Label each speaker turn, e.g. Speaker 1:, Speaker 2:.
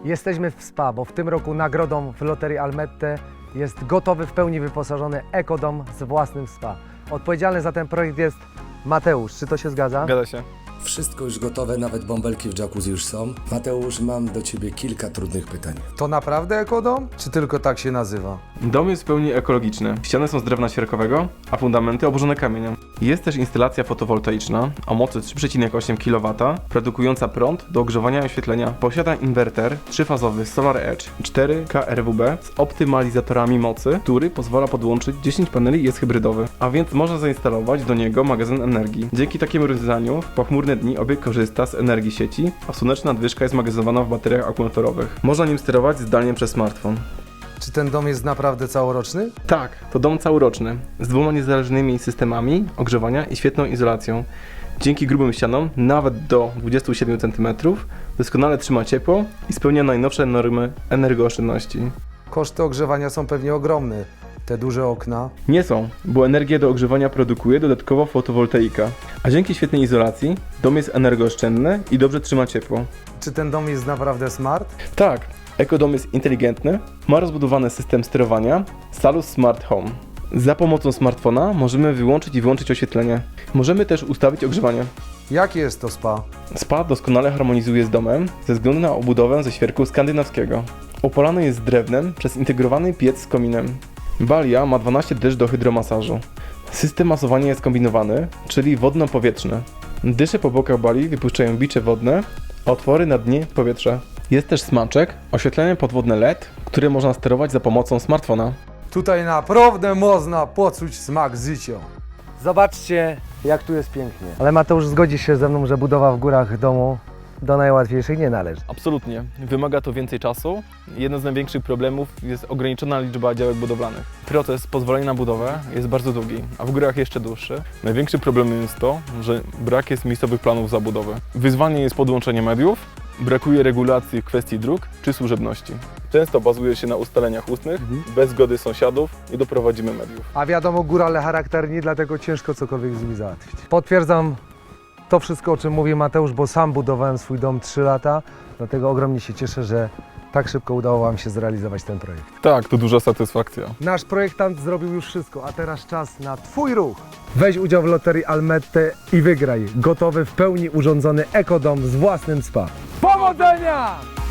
Speaker 1: Jesteśmy w SPA, bo w tym roku nagrodą w Loterii Almette jest gotowy, w pełni wyposażony ekodom z własnym SPA. Odpowiedzialny za ten projekt jest Mateusz. Czy to się zgadza?
Speaker 2: Zgadza się.
Speaker 3: Wszystko już gotowe, nawet bąbelki w jacuzzi już są. Mateusz, mam do Ciebie kilka trudnych pytań.
Speaker 4: To naprawdę ekodom? Czy tylko tak się nazywa?
Speaker 2: Dom jest w pełni ekologiczny. Ściany są z drewna świerkowego, a fundamenty obłożone kamieniem. Jest też instalacja fotowoltaiczna o mocy 3,8 kW, produkująca prąd do ogrzewania i oświetlenia. Posiada inwerter trzyfazowy Solar Edge 4 kRWB z optymalizatorami mocy, który pozwala podłączyć 10 paneli i jest hybrydowy, a więc można zainstalować do niego magazyn energii. Dzięki takiemu rozwiązaniu w pochmurne dni obiekt korzysta z energii sieci, a słoneczna nadwyżka jest magazynowana w bateriach akumulatorowych. Można nim sterować zdalnie przez smartfon.
Speaker 4: Czy ten dom jest naprawdę całoroczny?
Speaker 2: Tak, to dom całoroczny, z 2 niezależnymi systemami ogrzewania i świetną izolacją. Dzięki grubym ścianom, nawet do 27 cm, doskonale trzyma ciepło i spełnia najnowsze normy energooszczędności.
Speaker 4: Koszty ogrzewania są pewnie ogromne. Te duże okna.
Speaker 2: Nie są, bo energię do ogrzewania produkuje dodatkowo fotowoltaika. A dzięki świetnej izolacji, dom jest energooszczędny i dobrze trzyma ciepło.
Speaker 4: Czy ten dom jest naprawdę smart?
Speaker 2: Tak, ekodom jest inteligentny, ma rozbudowany system sterowania Salus Smart Home. Za pomocą smartfona możemy wyłączyć i włączyć oświetlenie. Możemy też ustawić ogrzewanie.
Speaker 4: Jakie jest to SPA?
Speaker 2: SPA doskonale harmonizuje z domem ze względu na obudowę ze świerku skandynawskiego. Opalany jest drewnem przez integrowany piec z kominem. Balia ma 12 dysz do hydromasażu. System masowania jest kombinowany, czyli wodno-powietrzny. Dysze po bokach bali wypuszczają bicze wodne, a otwory na dnie powietrze. Jest też smaczek, oświetlenie podwodne LED, które można sterować za pomocą smartfona.
Speaker 4: Tutaj naprawdę można poczuć smak życia.
Speaker 1: Zobaczcie, jak tu jest pięknie. Ale Mateusz, zgodzisz się ze mną, że budowa w górach domu do najłatwiejszych nie należy.
Speaker 2: Absolutnie. Wymaga to więcej czasu. Jeden z największych problemów jest ograniczona liczba działek budowlanych. Proces pozwolenia na budowę jest bardzo długi, a w górach jeszcze dłuższy. Największym problemem jest to, że brak jest miejscowych planów zabudowy. Wyzwanie jest podłączenie mediów, brakuje regulacji w kwestii dróg czy służebności. Często bazuje się na ustaleniach ustnych, bez zgody sąsiadów i doprowadzimy mediów.
Speaker 1: A wiadomo, górale charakterni, dlatego ciężko cokolwiek z nimi załatwić. Potwierdzam to wszystko, o czym mówi Mateusz, bo sam budowałem swój dom 3 lata, dlatego ogromnie się cieszę, że tak szybko udało Wam się zrealizować ten projekt.
Speaker 2: Tak, to duża satysfakcja.
Speaker 1: Nasz projektant zrobił już wszystko, a teraz czas na Twój ruch. Weź udział w Loterii Almette i wygraj gotowy, w pełni urządzony ekodom z własnym SPA. Powodzenia!